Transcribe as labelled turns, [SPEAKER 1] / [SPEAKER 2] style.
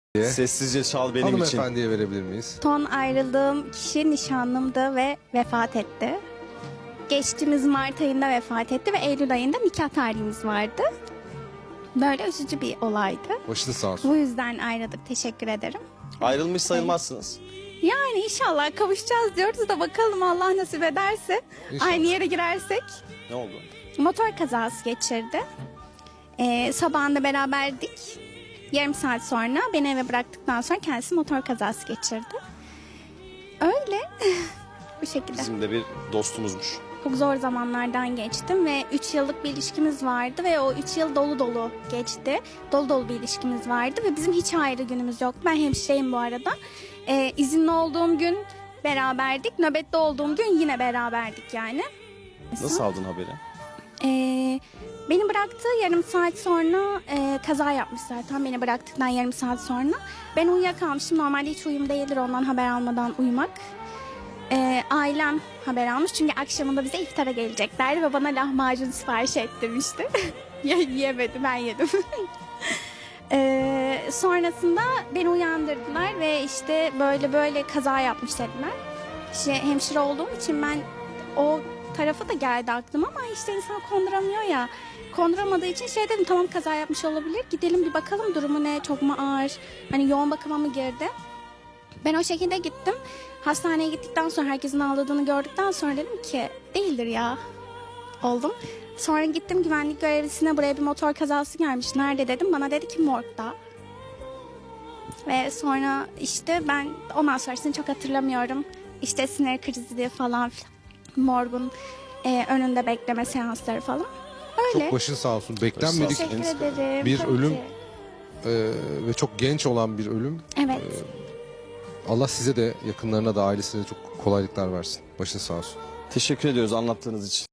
[SPEAKER 1] Sessizce çal benim için.
[SPEAKER 2] Hanımefendiye verebilir miyiz?
[SPEAKER 3] Son ayrıldığım kişi nişanlımdı ve vefat etti. Geçtiğimiz Mart ayında vefat etti ve Eylül ayında nikah tarihimiz vardı. Böyle üzücü bir olaydı.
[SPEAKER 2] Başınız sağ olsun.
[SPEAKER 3] Bu yüzden ayrıldık. Teşekkür ederim.
[SPEAKER 1] Ayrılmış sayılmazsınız.
[SPEAKER 3] Yani inşallah kavuşacağız diyoruz da bakalım Allah nasip ederse.
[SPEAKER 2] İnşallah.
[SPEAKER 3] Aynı yere girersek.
[SPEAKER 1] Ne oldu?
[SPEAKER 3] Motor kazası geçirdi. Sabahında beraberdik. Yarım saat sonra beni eve bıraktıktan sonra kendisi motor kazası geçirdi. Öyle. Bu şekilde.
[SPEAKER 1] Bizim de bir dostumuzmuş.
[SPEAKER 3] Çok zor zamanlardan geçtim ve 3 yıllık bir ilişkimiz vardı ve o 3 yıl dolu dolu geçti. Dolu dolu bir ilişkimiz vardı ve bizim hiç ayrı günümüz yoktu. Ben hemşireyim bu arada. İzinli olduğum gün beraberdik. Nöbette olduğum gün yine beraberdik yani.
[SPEAKER 1] Nasıl aldın haberi?
[SPEAKER 3] Beni bıraktı yarım saat sonra kaza yapmış zaten beni bıraktıktan yarım saat sonra. Ben uyuyakalmışım. Normalde hiç uyum değildir ondan haber almadan uyumak. Ailem haber almış çünkü akşamında bize iftara geleceklerdi ve bana lahmacun sipariş ettirmişti. Yemedi, ben yedim. Sonrasında beni uyandırdılar ve işte böyle böyle kaza yapmış dediler. İşte hemşire olduğum için ben o tarafa da geldi aklıma ama işte insan konduramıyor ya. Konduramadığı için şey dedim, tamam kaza yapmış olabilir. Gidelim bir bakalım durumu ne, çok mu ağır? Hani yoğun bakıma mı girdi? Ben o şekilde gittim. Hastaneye gittikten sonra herkesin ağladığını gördükten sonra dedim ki değildir ya. Oldum. Sonra gittim güvenlik görevlisine, buraya bir motor kazası gelmiş. Nerede dedim. Bana dedi ki morgda. Ve sonra işte ben ondan sonrasını çok hatırlamıyorum. İşte sinir krizi falan filan. Morgun önünde bekleme seansları falan. Öyle.
[SPEAKER 2] Çok başın sağ olsun. Beklenmedik
[SPEAKER 3] Teşekkür ederim.
[SPEAKER 2] bir
[SPEAKER 3] Tabii
[SPEAKER 2] ölüm.
[SPEAKER 3] ki.
[SPEAKER 2] Ve çok genç olan bir ölüm.
[SPEAKER 3] Evet.
[SPEAKER 2] Allah size de yakınlarına da ailesine de çok kolaylıklar versin. Başın sağ olsun.
[SPEAKER 1] Teşekkür ediyoruz anlattığınız için.